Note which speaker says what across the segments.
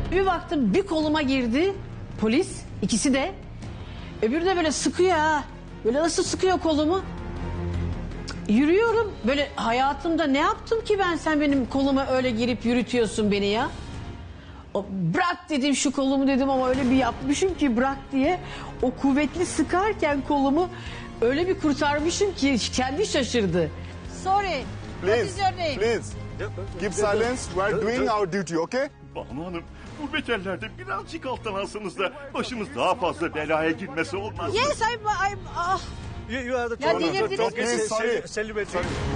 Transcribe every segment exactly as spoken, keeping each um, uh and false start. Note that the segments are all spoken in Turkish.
Speaker 1: Bir baktım bir koluma girdi polis, ikisi de. Öbürü de böyle sıkıyor ha. Böyle nasıl sıkıyor kolumu? Yürüyorum. Böyle hayatımda ne yaptım ki ben, sen benim koluma öyle girip yürütüyorsun beni ya? O, bırak dedim şu kolumu dedim ama öyle bir yapmışım ki bırak diye. O kuvvetli sıkarken kolumu öyle bir kurtarmışım ki kendi şaşırdı.
Speaker 2: Sorry. What is
Speaker 3: Please,
Speaker 2: your name?
Speaker 3: please. Keep silence. We are doing our duty, okay?
Speaker 4: Banu Hanım, bu beterlerde birazcık alttan alsanız da başımız daha fazla belaya girmesi olmaz.
Speaker 2: Yes, I'm, I'm, ah.
Speaker 5: You, you are the
Speaker 2: Ya
Speaker 5: top-
Speaker 2: delirdiniz
Speaker 5: top-
Speaker 2: mi?
Speaker 3: Please, sorry.
Speaker 5: Celebrity.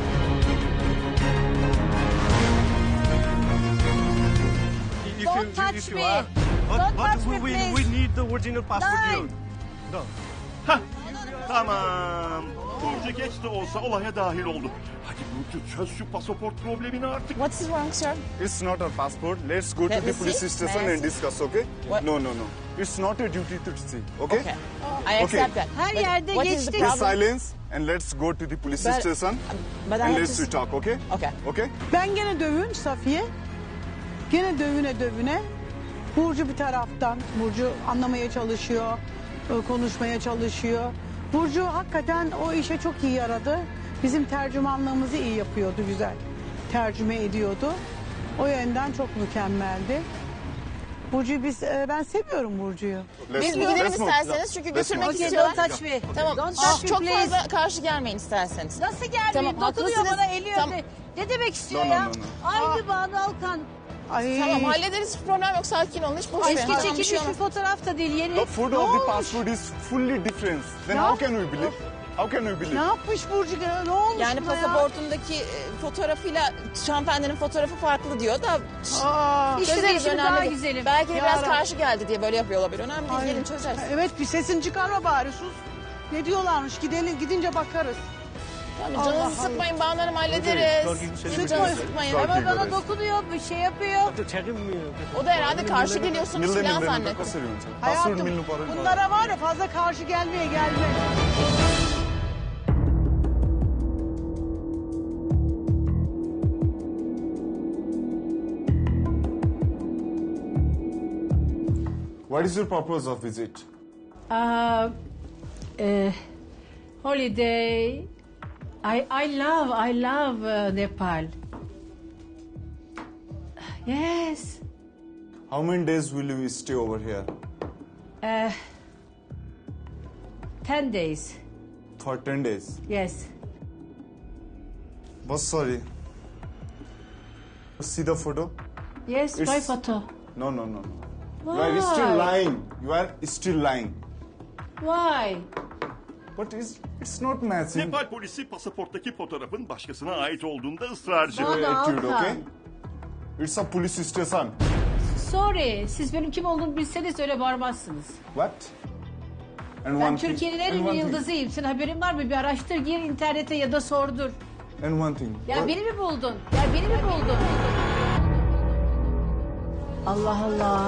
Speaker 5: If
Speaker 2: Don't
Speaker 5: you-
Speaker 2: touch
Speaker 5: if you
Speaker 2: me.
Speaker 5: are- But-
Speaker 2: Don't
Speaker 5: but
Speaker 2: touch
Speaker 5: we,
Speaker 2: me,
Speaker 5: we,
Speaker 2: please.
Speaker 5: we need the original passport.
Speaker 2: Nine.
Speaker 5: you- No.
Speaker 4: Hah, tamam. Burcu geç de olsa olaya dahil oldu. Hadi Burcu çöz şu pasaport problemini artık.
Speaker 6: What's wrong, sir?
Speaker 3: It's not our passport. Let's go
Speaker 6: Let
Speaker 3: to
Speaker 6: me
Speaker 3: the police
Speaker 6: see.
Speaker 3: station
Speaker 6: May I
Speaker 3: and
Speaker 6: see?
Speaker 3: discuss, okay?
Speaker 6: What?
Speaker 3: No, no, no. It's not a duty to see, okay?
Speaker 6: Okay. I accept that.
Speaker 2: Her
Speaker 6: But
Speaker 2: yerde
Speaker 6: what is the
Speaker 2: geçtik.
Speaker 3: Please
Speaker 6: problem?
Speaker 3: silence and let's go to the police
Speaker 6: But-
Speaker 3: station
Speaker 6: But I
Speaker 3: and
Speaker 6: have
Speaker 3: let's
Speaker 6: to...
Speaker 3: we talk, okay?
Speaker 6: Okay.
Speaker 3: Okay?
Speaker 7: Ben gene dövün Safiye. Gene dövüne dövüne. Burcu bir taraftan. Burcu anlamaya çalışıyor. e, Konuşmaya çalışıyor. Burcu hakikaten o işe çok iyi yaradı. Bizim tercümanlığımızı iyi yapıyordu, güzel. Tercüme ediyordu. O yönden çok mükemmeldi. Burcu'yu biz, e, ben seviyorum Burcu'yu.
Speaker 3: Let's
Speaker 6: Biz bir
Speaker 3: move,
Speaker 6: gidelim
Speaker 3: let's move.
Speaker 6: isterseniz çünkü
Speaker 3: Let's
Speaker 6: götürmek
Speaker 3: move.
Speaker 2: Okay,
Speaker 6: istiyorlar.
Speaker 2: don't touch me.
Speaker 6: Tamam.
Speaker 2: Don't
Speaker 6: Ah,
Speaker 2: touch me,
Speaker 6: çok
Speaker 2: please.
Speaker 6: fazla karşı gelmeyin isterseniz.
Speaker 2: Nasıl gelmeyeyim?
Speaker 6: Tamam,
Speaker 2: Dokunuyor
Speaker 6: haklısınız.
Speaker 2: bana, eliyor.
Speaker 6: Tamam.
Speaker 2: Ne demek istiyor
Speaker 3: No, no,
Speaker 2: ya?
Speaker 3: no, no.
Speaker 2: Aynı Banu Alkan.
Speaker 7: Ay,
Speaker 6: Tamam hallederiz, hiç problem yok, sakin olun, hiç boş verin.
Speaker 2: Eski
Speaker 6: Tamam, bir
Speaker 2: çekilmiş
Speaker 6: şey
Speaker 2: bir
Speaker 6: olmaz.
Speaker 2: fotoğraf da değil, yeni.
Speaker 3: The food of the passport is fully different. Then how can we believe? How can we
Speaker 7: ne
Speaker 3: believe?
Speaker 7: yapmış Burcu? Ne olmuş
Speaker 6: Yani
Speaker 7: buna ya?
Speaker 6: pasaportundaki e, fotoğrafıyla hanımefendinin fotoğrafı farklı diyor da
Speaker 7: Aa,
Speaker 2: İşte
Speaker 6: çözeriz,
Speaker 2: şimdi
Speaker 6: önemli
Speaker 2: daha
Speaker 6: değil.
Speaker 2: güzelim.
Speaker 6: Belki de
Speaker 7: Ya
Speaker 6: biraz
Speaker 7: Rab-
Speaker 6: karşı geldi diye böyle yapıyor olabilir. Önemli değil,
Speaker 7: ay.
Speaker 6: gelin çözeriz.
Speaker 7: Evet, bir sesini çıkarma bari, sus. Ne diyorlarmış, gidelim, gidince bakarız.
Speaker 6: Tamam,
Speaker 7: Allah
Speaker 6: canınızı
Speaker 7: Allah.
Speaker 6: sıkmayın, Banu Hanım hallederiz.
Speaker 5: Sorry, sorry.
Speaker 6: Canınızı sıkmayın.
Speaker 3: Sorry.
Speaker 2: Ama bana dokunuyor, bir şey yapıyor.
Speaker 5: Tell him, uh,
Speaker 6: O da herhalde karşı geliyorsunuz
Speaker 3: Milli
Speaker 6: filan
Speaker 3: milli
Speaker 6: zannetti.
Speaker 3: कसरी हुन्छ? Passport
Speaker 7: Hayatım,
Speaker 3: मिल्नु पर्यो नि त।
Speaker 7: bunlara var ya fazla karşı gelmeye gelme.
Speaker 3: What is your purpose of visit?
Speaker 1: Uh, uh, holiday. I I love I love uh, Nepal. Yes.
Speaker 3: How many days will you stay over here?
Speaker 1: Uh, ten days.
Speaker 3: For ten days.
Speaker 1: Yes.
Speaker 3: But sorry. See the photo?
Speaker 1: Yes.
Speaker 3: It's-
Speaker 1: My photo.
Speaker 3: No, no, no. You
Speaker 1: Why?
Speaker 3: are still lying. You are still lying.
Speaker 1: Why?
Speaker 3: But it's, it's not matching.
Speaker 4: Nepal polisi pasaporttaki fotoğrafın başkasına ait olduğunda ısrarcı.
Speaker 1: Bana
Speaker 3: Attitude,
Speaker 1: Alkan.
Speaker 3: okay? It's a police station.
Speaker 1: Sorry. Siz benim kim olduğumu bilseniz öyle bağırmazsınız.
Speaker 3: What? And
Speaker 1: Ben
Speaker 3: one thing-
Speaker 1: Türkiye'nin en
Speaker 3: and
Speaker 1: ünlü
Speaker 3: one thing-
Speaker 1: yıldızıyım. Senin haberin var mı? Bir araştır, gir internete ya da sordur.
Speaker 3: And one thing.
Speaker 1: Ya
Speaker 3: What-
Speaker 1: beni mi buldun? Ya beni mi buldun? Allah Allah.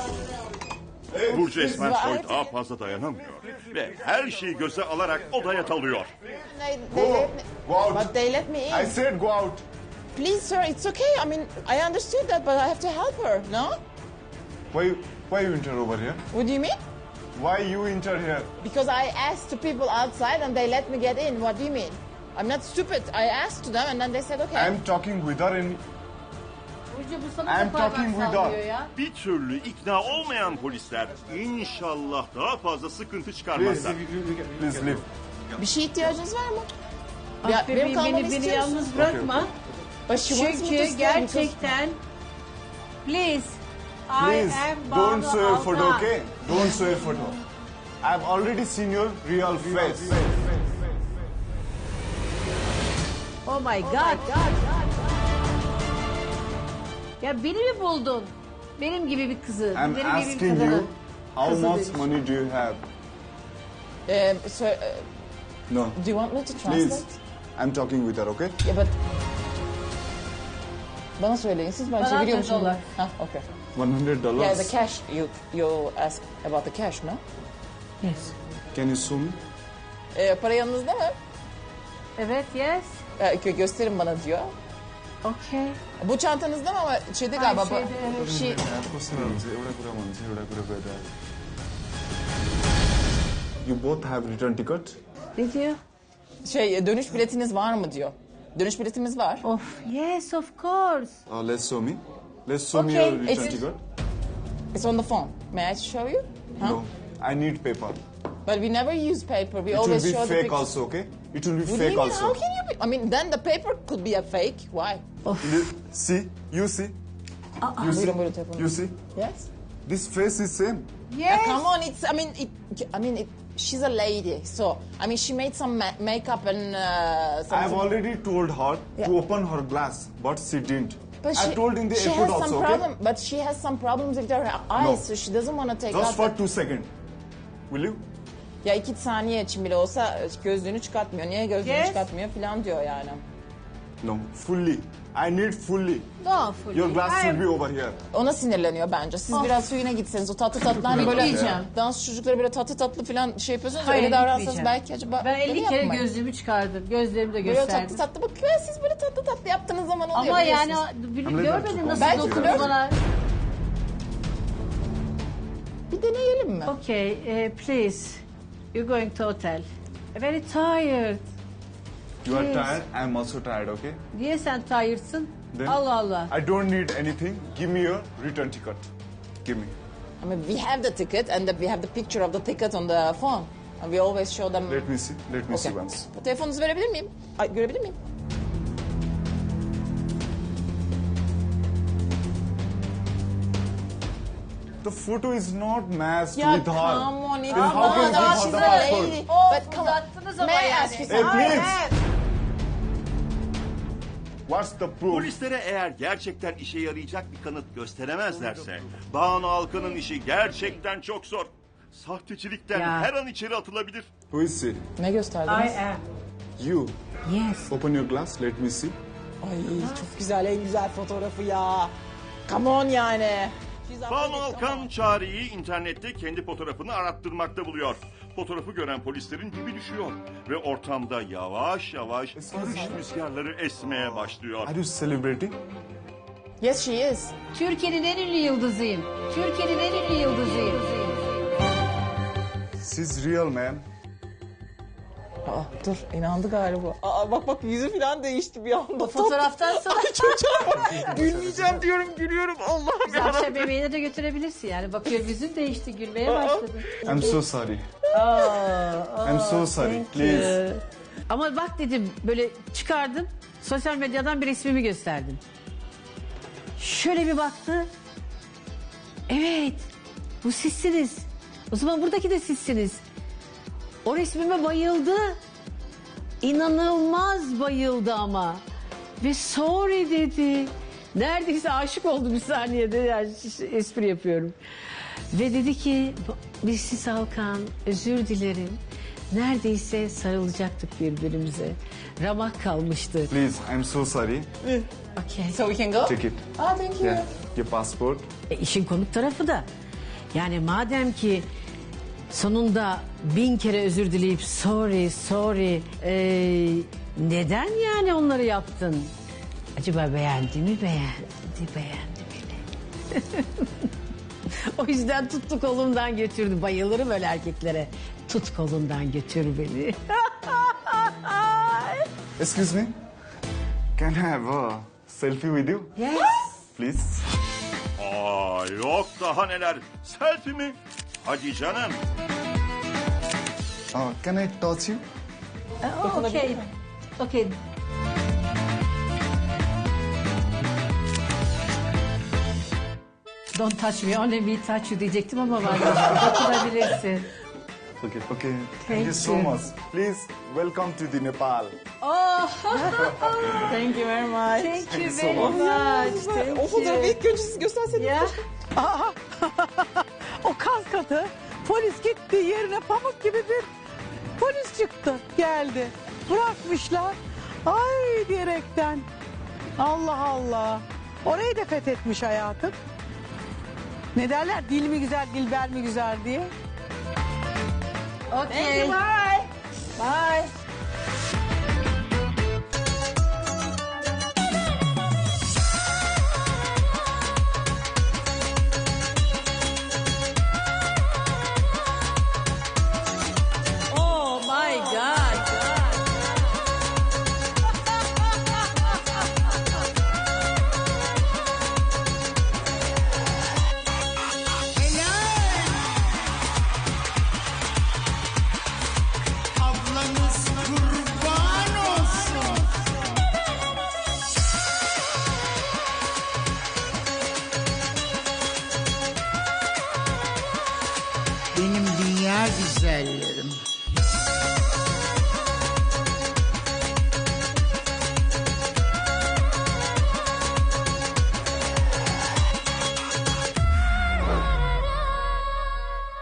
Speaker 4: Burcu Esmersoy
Speaker 6: Right.
Speaker 4: daha fazla dayanamıyor. Ve her şeyi göze alarak odaya dalıyor.
Speaker 6: They, they
Speaker 3: Go,
Speaker 6: let me,
Speaker 3: go out.
Speaker 6: but they let me in.
Speaker 3: I said go out.
Speaker 6: Please, sir, it's okay. I mean, I understood that, but I have to help her. No?
Speaker 3: Why, why you enter over here?
Speaker 6: What do you mean?
Speaker 3: Why you enter here?
Speaker 6: Because I asked to people outside and they let me get in. What do you mean? I'm not stupid. I asked to them and then they said okay.
Speaker 3: I'm talking with her and
Speaker 1: Burcu bu sana
Speaker 3: I'm
Speaker 1: da parmak
Speaker 3: talking with
Speaker 1: sallıyor
Speaker 3: her.
Speaker 1: ya.
Speaker 4: Bir türlü ikna olmayan polisler inşallah daha fazla sıkıntı
Speaker 3: please,
Speaker 4: çıkarmazlar.
Speaker 3: please leave.
Speaker 6: Bir şeye ihtiyacınız var mı?
Speaker 1: Ah
Speaker 6: Ya,
Speaker 1: bebeğim,
Speaker 6: benim kalmamı
Speaker 1: beni, beni
Speaker 6: istiyor musun?
Speaker 1: yalnız bırakma.
Speaker 6: But she wants me to
Speaker 1: Çünkü
Speaker 6: stay because-
Speaker 1: gerçekten please
Speaker 3: Please,
Speaker 1: I am
Speaker 3: don't
Speaker 1: Banu
Speaker 3: show your photo,
Speaker 1: Alkan.
Speaker 3: okay? Don't show your photo. I've already seen your real face.
Speaker 1: Oh my god. Ya beni mi buldun? Benim gibi bir kızı.
Speaker 3: I'm
Speaker 1: benim gibi bir
Speaker 3: asking
Speaker 1: kadını.
Speaker 3: you, how
Speaker 1: Kızı
Speaker 3: much
Speaker 1: demiş.
Speaker 3: money do you have?
Speaker 6: Um, so, uh,
Speaker 3: No,
Speaker 6: do you want me to translate?
Speaker 3: please. I'm talking with her, okay?
Speaker 6: Yeah, but... Bana söyleyin siz, ben
Speaker 1: Bana
Speaker 6: çeviriyor
Speaker 1: atın
Speaker 6: musun?
Speaker 1: dolar.
Speaker 6: Ha, okay.
Speaker 3: one hundred dollars.
Speaker 6: Yeah, the cash. You you ask about the cash, no?
Speaker 1: Yes.
Speaker 3: Can you show me?
Speaker 6: Ee, para yanınızda mı?
Speaker 1: Evet, yes.
Speaker 6: Ee, gö- gösterin bana diyor.
Speaker 1: Okay.
Speaker 6: Bu çantanızda mı ama şeyde galiba. bu-
Speaker 1: Şeyde, evet, şey,
Speaker 3: एउटा कुरा भन्छु एउटा कुरा गर्दा You both have return ticket?
Speaker 1: ne diyor?
Speaker 6: Şey dönüş biletiniz var mı diyor. Dönüş biletimiz var.
Speaker 1: Of, yes of course.
Speaker 3: Uh, let's show me. Let's show me
Speaker 6: Okay,
Speaker 3: your return
Speaker 6: it's-
Speaker 3: ticket.
Speaker 6: It's on the phone. May I show you? Huh?
Speaker 3: No, I need paper.
Speaker 6: But we never use paper. We
Speaker 3: It will
Speaker 6: always
Speaker 3: be
Speaker 6: show the
Speaker 3: fake
Speaker 6: picture.
Speaker 3: also, okay? It will be
Speaker 6: What do you
Speaker 3: fake
Speaker 6: mean?
Speaker 3: also.
Speaker 6: How can you be? I mean, then the paper could be a fake. Why?
Speaker 3: Li- See, you see, you see,
Speaker 6: Buyurun, buyurun, telefonu.
Speaker 3: you see.
Speaker 6: Yes.
Speaker 3: This face is same.
Speaker 6: Yeah, come on, it's. I mean, it. I mean, it, she's a lady, so I mean, she made some ma- makeup and uh, some.
Speaker 3: I have already told her
Speaker 6: Yeah.
Speaker 3: to open her glass, but she didn't.
Speaker 6: But
Speaker 3: I
Speaker 6: she,
Speaker 3: told in the
Speaker 6: she
Speaker 3: airport
Speaker 6: has some
Speaker 3: also, okay?
Speaker 6: problem, but she has some problems with her eyes,
Speaker 3: No.
Speaker 6: so she doesn't want to take
Speaker 3: Just
Speaker 6: out.
Speaker 3: for
Speaker 6: the-
Speaker 3: two seconds. Will you?
Speaker 6: Ya iki saniye için bile olsa gözlüğünü çıkartmıyor. Niye gözlüğünü
Speaker 1: Yes.
Speaker 6: çıkartmıyor falan diyor yani.
Speaker 3: No, fully. I need fully.
Speaker 1: No, fully.
Speaker 3: Your glass
Speaker 1: I-
Speaker 3: should be over here.
Speaker 6: Ona sinirleniyor bence. Siz biraz suyuna gitseniz o tatlı tatlı hani böyle
Speaker 1: Gitmeyeceğim.
Speaker 6: dans çocukları böyle tatlı tatlı falan şey yapıyorsunuz.
Speaker 1: Hayır,
Speaker 6: öyle davransanız
Speaker 1: gitmeyeceğim.
Speaker 6: belki acaba
Speaker 1: Ben
Speaker 6: öyle
Speaker 1: elli kere
Speaker 6: yapmayın.
Speaker 1: gözlüğümü çıkardım. Gözlerimi de
Speaker 6: Böyle tatlı
Speaker 1: gösterdim.
Speaker 6: tatlı bakıyor. Siz böyle tatlı tatlı yaptığınız zaman oluyor.
Speaker 1: Ama yani
Speaker 6: biliyorsunuz.
Speaker 1: bir-
Speaker 3: Ama
Speaker 1: görmedin
Speaker 3: neden?
Speaker 1: nasıl
Speaker 6: Belki
Speaker 1: dokundu
Speaker 6: flört-
Speaker 1: bana.
Speaker 6: Bir deneyelim mi?
Speaker 1: Okay, eh, please. You're going to hotel. Very tired.
Speaker 3: You are
Speaker 1: Yes.
Speaker 3: tired. I am also tired, okay?
Speaker 1: Niye sen tired'sın?
Speaker 3: Then
Speaker 1: Allah Allah.
Speaker 3: I don't need anything. Give me your return ticket. Give me.
Speaker 6: I mean, we have the ticket and the, we have the picture of the ticket on the phone. And we always show them.
Speaker 3: Let me see. Let me see
Speaker 6: Okay.
Speaker 3: once.
Speaker 6: Telefonunuzu verebilir miyim? Ay, görebilir miyim?
Speaker 3: The photo is not matched
Speaker 6: Ya
Speaker 3: with her.
Speaker 6: come on, it's
Speaker 3: Then how can
Speaker 6: not.
Speaker 3: you
Speaker 6: She's
Speaker 3: give
Speaker 6: a
Speaker 3: her the passport?
Speaker 6: lady.
Speaker 1: Oh,
Speaker 6: But come on.
Speaker 1: uzattınız ama
Speaker 6: May I
Speaker 1: yani.
Speaker 6: ask you
Speaker 3: Hey,
Speaker 6: something?
Speaker 3: please. What's the proof?
Speaker 4: Polislere eğer gerçekten işe yarayacak bir kanıt gösteremezlerse Banu Alkan'ın işi gerçekten çok zor. Sahtecilikten
Speaker 1: Ya.
Speaker 4: her an içeri atılabilir.
Speaker 3: Who is she?
Speaker 6: Ne gösterdiniz?
Speaker 1: I am.
Speaker 3: You.
Speaker 1: Yes.
Speaker 3: Open your glass. Let me see.
Speaker 6: Ay çok güzel, en güzel fotoğrafı ya. Come on yani. She's a
Speaker 4: Banu
Speaker 6: lady, come
Speaker 4: Alkan
Speaker 6: on.
Speaker 4: Çağrı'yı internette kendi fotoğrafını arattırmakta buluyor. Fotoğrafı gören polislerin dibi düşüyor. Ve ortamda yavaş yavaş barış rüzgarları esmeye başlıyor.
Speaker 3: Are you celebrating?
Speaker 6: Yes, she is.
Speaker 1: Türkiye'nin en ünlü yıldızıyım. Türkiye'nin en ünlü yıldızıyım.
Speaker 3: She's real, man.
Speaker 6: Aa, dur, inandı galiba. Aa, bak bak yüzü falan değişti bir anda.
Speaker 1: O fotoğraftan sonra
Speaker 6: Gülmeyeceğim diyorum, gülüyorum. Allah'ım ya.
Speaker 1: akşam yemeğine de götürebilirsin yani. Bakıyor yüzün değişti, gülmeye başladı.
Speaker 3: I'm so sorry.
Speaker 1: Aa,
Speaker 3: I'm so sorry.
Speaker 1: thank
Speaker 3: Please.
Speaker 1: you. Ama bak dedim böyle çıkardım. Sosyal medyadan bir resmimi gösterdim. Şöyle bir baktı. Evet. Bu sizsiniz. O zaman buradaki de sizsiniz. O resmime bayıldı. İnanılmaz bayıldı ama. Ve sorry dedi. Neredeyse aşık oldu bir saniyede. Yani espri yapıyorum. Ve dedi ki Missis Alkan özür dilerim. Neredeyse sarılacaktık birbirimize. Ramak kalmıştı.
Speaker 3: Please, I'm so sorry.
Speaker 1: Okay.
Speaker 6: So we can go?
Speaker 3: Take it.
Speaker 6: Ah, thank you.
Speaker 3: Yeah. Your passport.
Speaker 1: E, işin komik tarafı da yani madem ki sonunda bin kere özür dileyip sorry sorry e, neden yani onları yaptın? Acaba beğendi mi beğendi beğendi beni. O yüzden tuttu kolumdan götürdü. Bayılırım öyle erkeklere. Tut kolumdan götür beni.
Speaker 3: Excuse me. Can I have a selfie with you?
Speaker 1: Yes.
Speaker 3: Please.
Speaker 4: Aa yok daha neler. Selfie mi? Hadi canım.
Speaker 3: Uh, can I touch you?
Speaker 1: Oh, okay. Okay. Don't touch me, only me touch you diyecektim ama vazgeçtim. Dokunabilirsin.
Speaker 3: Okay. Okay. Thank,
Speaker 1: Thank
Speaker 3: you so
Speaker 1: you.
Speaker 3: much. Please welcome to the Nepal.
Speaker 6: Thank you very much.
Speaker 1: Thank you
Speaker 3: so
Speaker 1: very
Speaker 3: much.
Speaker 1: much.
Speaker 6: O
Speaker 1: Thank
Speaker 6: fotoğrafı
Speaker 1: you.
Speaker 6: ilk önce siz gösterseniz.
Speaker 1: Ya.
Speaker 7: O kaskatı polis gitti yerine pamuk gibi bir polis çıktı geldi. Bırakmışlar. Ay diyerekten. Allah Allah. Orayı da fethetmiş hayatım. Ne derler? Dil mi güzel, dilber mi güzel diye.
Speaker 1: Okay.
Speaker 6: Bye. Bye.